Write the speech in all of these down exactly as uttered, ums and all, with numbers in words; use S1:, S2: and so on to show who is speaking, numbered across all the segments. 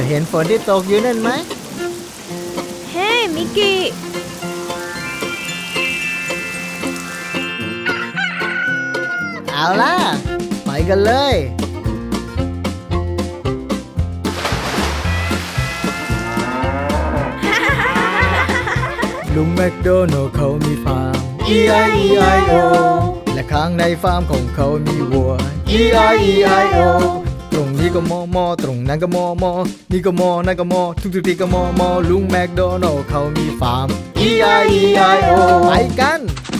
S1: เห็นฝนที่ตกอยู่นั่นไหม
S2: เฮ้มิกกี้
S1: เอาล่ะไปกันเลยลุงแมคโดนัลด์เขามีฟาร์ม อี ไอ อี ไอ โอ และข้างในฟาร์มของเขามีวัว อี ไอ อี ไอ โอ ตรงนี้ก็มอมอตรงนั้นก็มอมอนี่ก็มอนั่นก็มอทุกทุกที่ก็มอมอลุงแมคโดนัลด์เขามีฟาร์ม อี ไอ อี ไอ โอ ไปกัน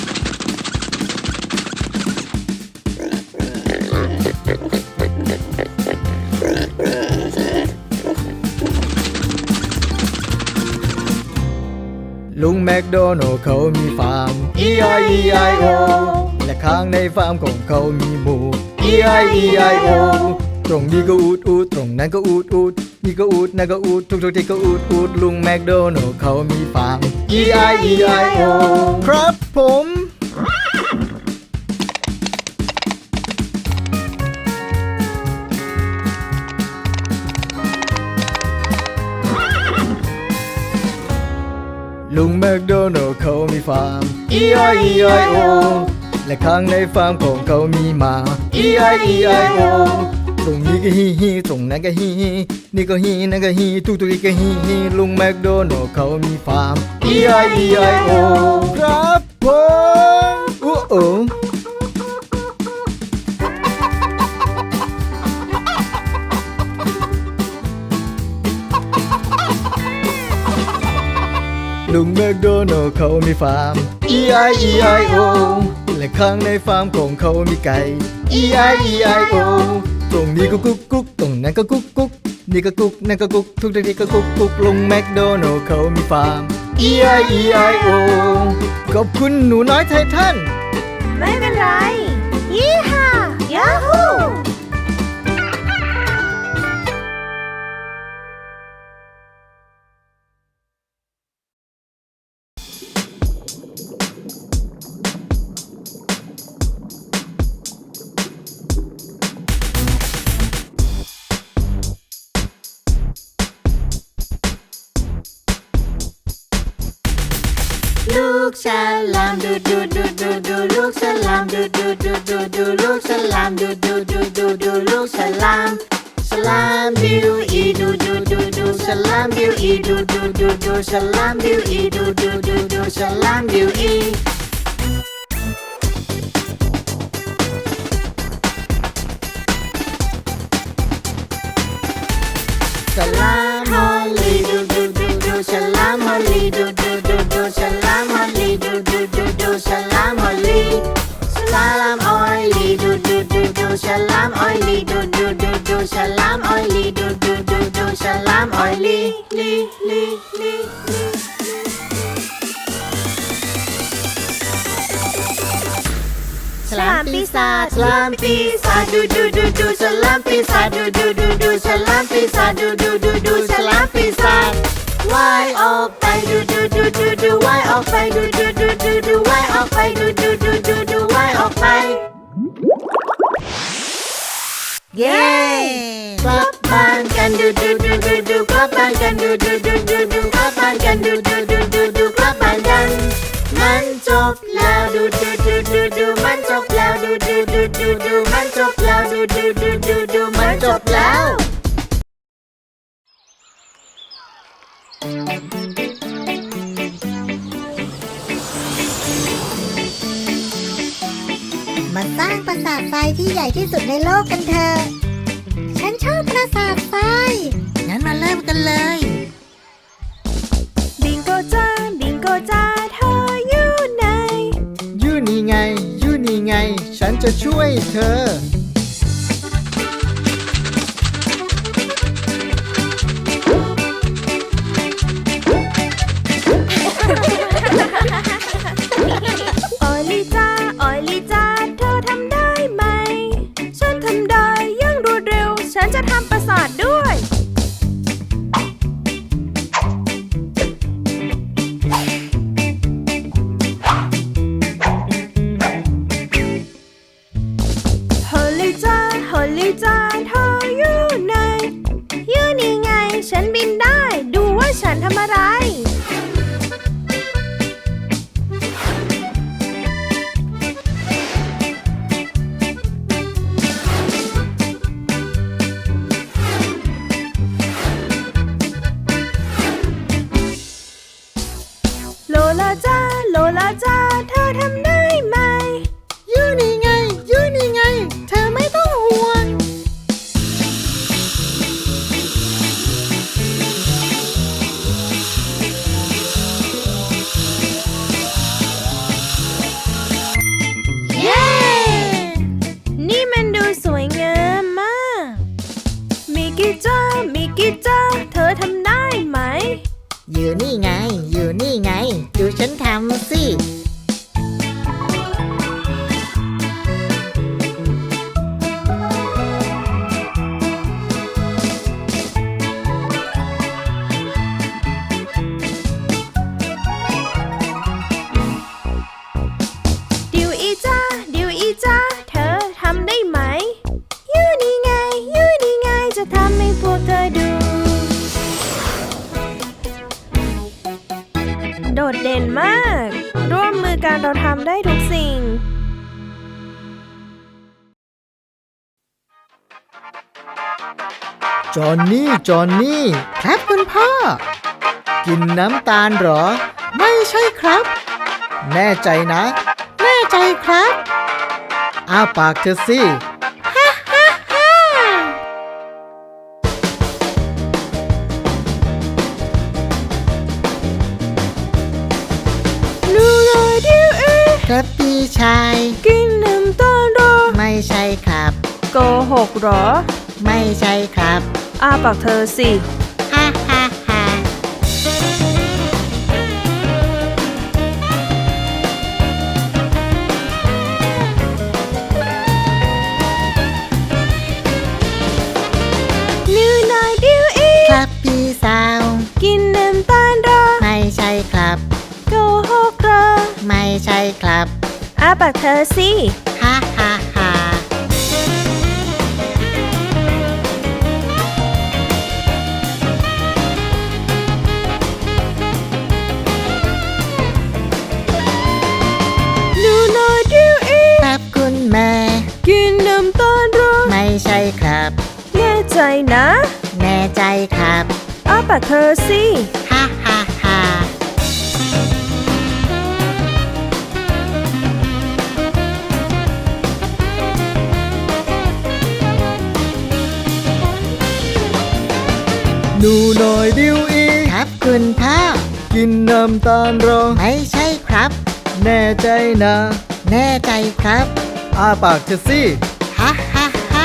S1: ลุงแมคโดนัลด์เขามีฟาร์ม อี ไอ อี ไอ โอ และข้างในฟาร์มของเขามีหมู อี ไอ อี ไอ โอ ตรงนี้ก็อูดอูดตรงนั้นก็อูดอูดนี่ก็อูดนั่นก็อูดทุกทุกที่ก็อูดอูดลุงแมคโดนัลด์เขามีฟาร์ม อี ไอ อี ไอ โอ ครับผมลุงแมคโดนัลด์เขามีฟาร์ม อี ไอ อี ไอ โอ และข้างในฟาร์มของเขามีหมา อี ไอ อี ไอ โอ ตรงนี้ก็ฮีฮีตรงนั้นก็ฮีฮีนี่ก็ฮีนั่นก็ฮีทุกทุกที่ก็ฮีฮีลุงแมคโดนัลด์เขามีฟาร์ม อี ไอ อี ไอ โอ ครับผมอู้โอลุงแมคโดนัลด์เขามีฟาร์ม อี ไอ อี ไอ โอ และข้างในฟาร์มของเขามีไก่ อี ไอ อี ไอ โอ ตรงนี้ก็กุ๊กกุ๊กตรงนั้นก็กุ๊กกุ๊กนี่ก็กุ๊กนั่นก็กุ๊กทุกที่ก็กุ๊กกุ๊กลุงแมคโดนัลด์เขามีฟาร์ม อี ไอ อี ไอ โอ ขอบคุณหนูน้อยไททัน
S2: ไม่เป็นไรยี่ห้ายาฮูลูกฉลามดูดูดูดูดูลูกฉลามดูดูดูดูดูลูกฉลามดูดูดูดูดูลูกฉลามฉลามบิวอีดูดูดูดูฉลามบิวอีดูดูดูดูฉลามบิวอีดูดูดูดูฉลามบิวอีฉลามฮอลลี่ดูดูดูดูฉลามฮอลลี่ดูดูดูดูฉลามฮอลลี่ดูดูดูดูฉลามฮอลลี่ฉลามออยลี่ดูดูดูดูฉลามออยลี่ดูดูดูดูฉลามออยลี่ดูดูดูดูฉลามออยลี่ลี่ลี่ลี่ฉลามปีศาจฉลามปีศาจดูดูดูดูฉลามปีศาจดูดูดูดูฉลามปีศาจดูดูดูดูฉลามปีศาจว่ายออกไปดูดูดูดูดูว่ายออกไปดูดูดูดูดูว่ายออกไปดูดูดูดูดูว่ายออกไปเย้กลับบ้านกันดูดูดูดูดูกลับบ้านกันดูดูดูดูดูกลับบ้านกันดูดูดูดูดูกลับบ้านกันมันจบแล้วดูดูดูดูดูมันจบแล้วดูดูดูดูดูมันจบแล้วดูดูดูดูดูมันจบแล้ว
S3: มาสร้างปราสาททรายที่ใหญ่ที่สุดในโลกกันเถอะฉันชอบปราสาททรายงั้นมาเริ่มกันเลย
S2: บิงโกจ้าบิงโกจ้าเธออยู่ไหน
S1: อยู่นี่ไงอยู่นี่ไงฉันจะช่วยเธอ
S2: ออยลี่จ้าออยลี่จ้าเธอทำได้ไหมฉันทำได้อย่างรวดเร็วฉันจะทำปราสาทด้วยฮอลฉันทำอะไรโลลาจ้าโลลาจ้าเธอทำได้ไหมยูนี่ไงยูนี่ไงเธอไม่ต้องห่วงเย้ นี่มันดูสวยงามมากมิกกี้จ้ามิกกี้จ้าเธอทำได้ไหม
S3: อยู่นี่ไง อยู่นี่ไง ดูฉันทำสิ
S2: ดิวอีจ้าดิวอีจ้าเธอทำได้ไหมยูนี่ไงยูนี่ไงจะทำให้พวกเธอดูโดดเด่นมาก ร่วมมือกันเราทำได้ทุกสิ่ง
S1: จอนนี่จอนนี่
S3: ครับคุณพ่อ
S1: กินน้ำตาลเหรอ
S3: ไม่ใช่ครับ
S1: แน่ใจนะ
S3: แน่ใจครับ
S1: อ้าปากเธอสิ
S3: ฮ่าฮ่าฮ่า
S2: ดูเลยดิวอี
S3: ครับพี่ชาย
S2: กินน้ำตาลเหรอ
S3: ไม่ใช่ครับ
S2: โกหกเหรอ
S3: ไม่ใช่ครับ
S2: อ้าปากเธอสิ
S3: ฮ่าฮ่าฮ่า
S2: นิวนายดิวอี
S3: ครับพี่สาว
S2: กินน้ำตาลเหรอ
S3: ไม่ใช่ครับ
S2: โกหกเหรอ
S3: ไม่ใช่ครับ
S2: อ้าปากเธอสิ
S3: ฮ่าฮ่าฮ่า
S2: นิวนายดิวอี
S3: ครับคุณแม่
S2: กินน้ำตาลเหรอ
S3: ไม่ใช่ครับ
S2: แน่ใจนะ
S3: แน่ใจครับ
S2: อ้าปากเธอสิ
S3: ฮ่าฮ่าฮ่า
S1: หนูหน่อยดิวอี
S3: ครับคุณพ่อ
S1: กินน้ำตาลเหรอ
S3: ไม่ใช่ครับ
S1: แน่ใจนะ
S3: แน่ใจครับ
S1: อ้าปากเธอสิ
S3: ฮ่าฮ่าฮ่า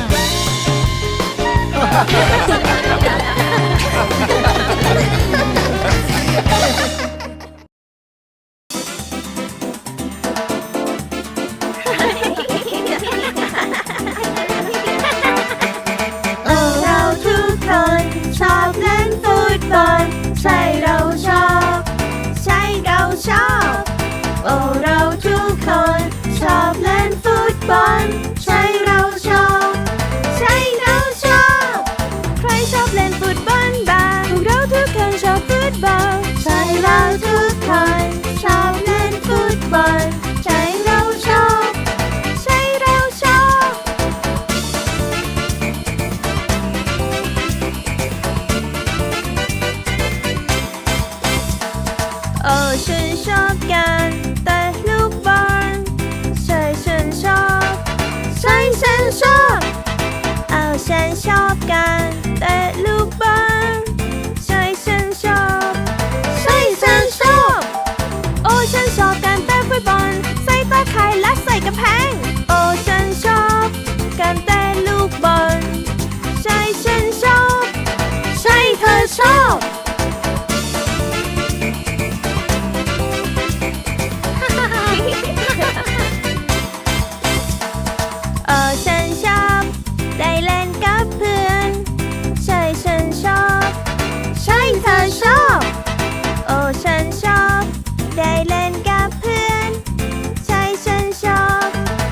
S2: โอ้เราทุกคนชอบเล่นฟุตบอลใช่เราชอบใช่เราชอบโอ้เราทุกคนชอบเล่นฟุตบอลใช่เราชอบใช่เราชอบใครชอบเล่นฟุตบอลบ้างพวกเราทุกคนชอบฟุตบอลใช่เราทุกคนชอบเล่นฟุตบอลใช่เราชอบใช่เราชอบ โอ้ฉันชอบการแต่ลูกบอลใช่ฉันชอบใช่ฉันชอบโอ้ฉันชอบการแต่ลูกบอลใช่ฉันชอบใช่ฉันชอบโอ้ฉันชอบการแต่ฟุตบอลใส่ตาข่ายและใส่กระแพงโอ้ฉันชอบการแต่ลูกบอลใช่ฉันชอบใช่เธอชอบ เออฉันชอบได้เล่นกับเพื่อนใช่ฉันชอบใช่เธอชอบโอ้ฉันชอบได้เล่นกับเพื่อนใช่ฉันชอบ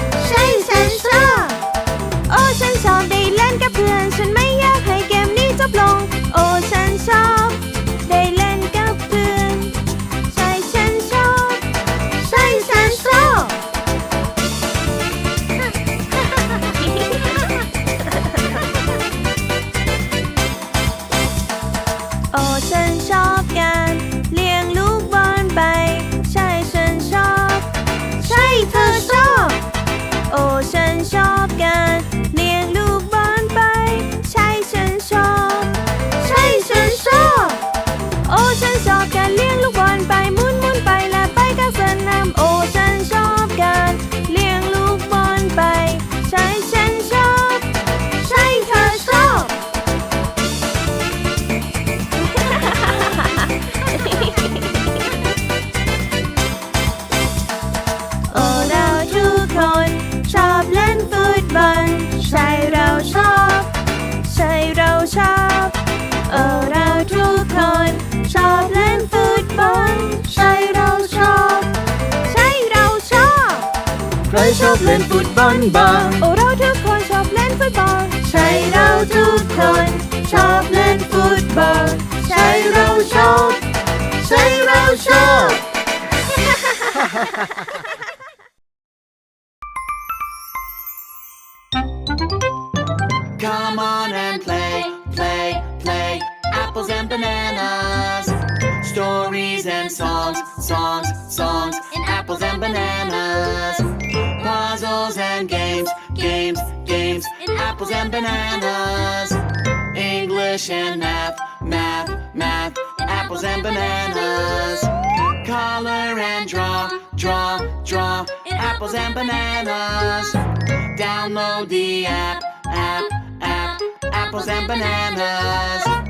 S2: ชอบเล่นฟุตบอลใช่เราชอบใช่เราชอบ
S1: ใครชอบเล่นฟุตบอลบ้าง
S2: โอ้เราทุกคนชอบเล่นฟุตบอลใช่เราทุกคนชอบเล่นฟุตบอลใช่เราชอบใช่เราชอบ
S4: Come on and play, play, play. Apples and bananas. Stories and songs, songs, songs. In apples and bananas. Puzzles and games, games, games. In apples and bananas. English and math, math, math. In apples and bananas. Color and draw, draw, draw. In apples and bananas. Download the app, app, app. Apples and bananas.